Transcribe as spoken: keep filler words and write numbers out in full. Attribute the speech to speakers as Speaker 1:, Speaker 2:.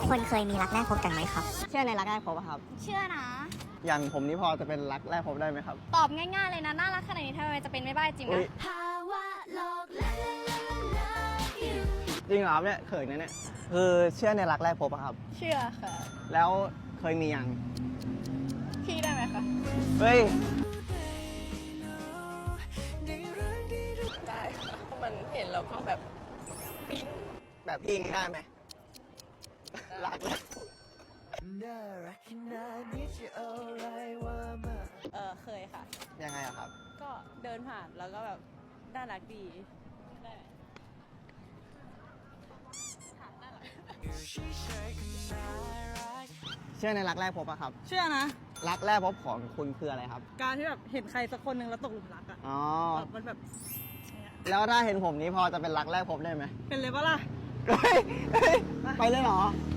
Speaker 1: คนเคยมีรักแรกพบกันไหมครับ
Speaker 2: เชื่อในรักแรกพบอะครับ
Speaker 3: เชื่อนะ
Speaker 4: อย่างผมนี่พอจะเป็นรักแรกพบได้ไหมครับ
Speaker 3: ตอบง่ายๆเลยนะน่ารักขนาดนี้ทำไมจะเป็นไม่ได้จริง
Speaker 4: อุ๊
Speaker 3: นะ
Speaker 4: ย จริงเหรอครับเนี่ยเขินนะเนี่ยคือเชื่อในรักแรกพบอะครับ
Speaker 3: เชื่อค่ะ
Speaker 4: แล้วเคยมียัง
Speaker 3: พี่ได้ไหมคะ
Speaker 4: เฮ้ย
Speaker 2: ได้ค่ะมันเห็นแล้วก็แบบ
Speaker 4: แบบพี่ได้ไหมรักแรก
Speaker 2: เออเคยค่ะ
Speaker 4: ยังไงอะครับ
Speaker 2: ก็เดินผ่านแล้วก็แบบน่ารักดีได้ถามน่ารัก
Speaker 4: เชื่อในรักแรกพบอะครับ
Speaker 2: เชื่อนะ
Speaker 4: รักแรกพบของคุณคืออะไรครับ
Speaker 2: การที่แบบเห็นใครสักคนหนึ่งแล้วตกหลุมรักอะ
Speaker 4: อ๋อ
Speaker 2: แบบมันแบบเนี่ย
Speaker 4: แล้วถ้าเห็นผมนี้พอจะเป็นรักแรกพบได้ไหม
Speaker 2: เป็นเลยปะล่ะ
Speaker 4: เฮ้ยเฮ้ยไปเลยเหรอ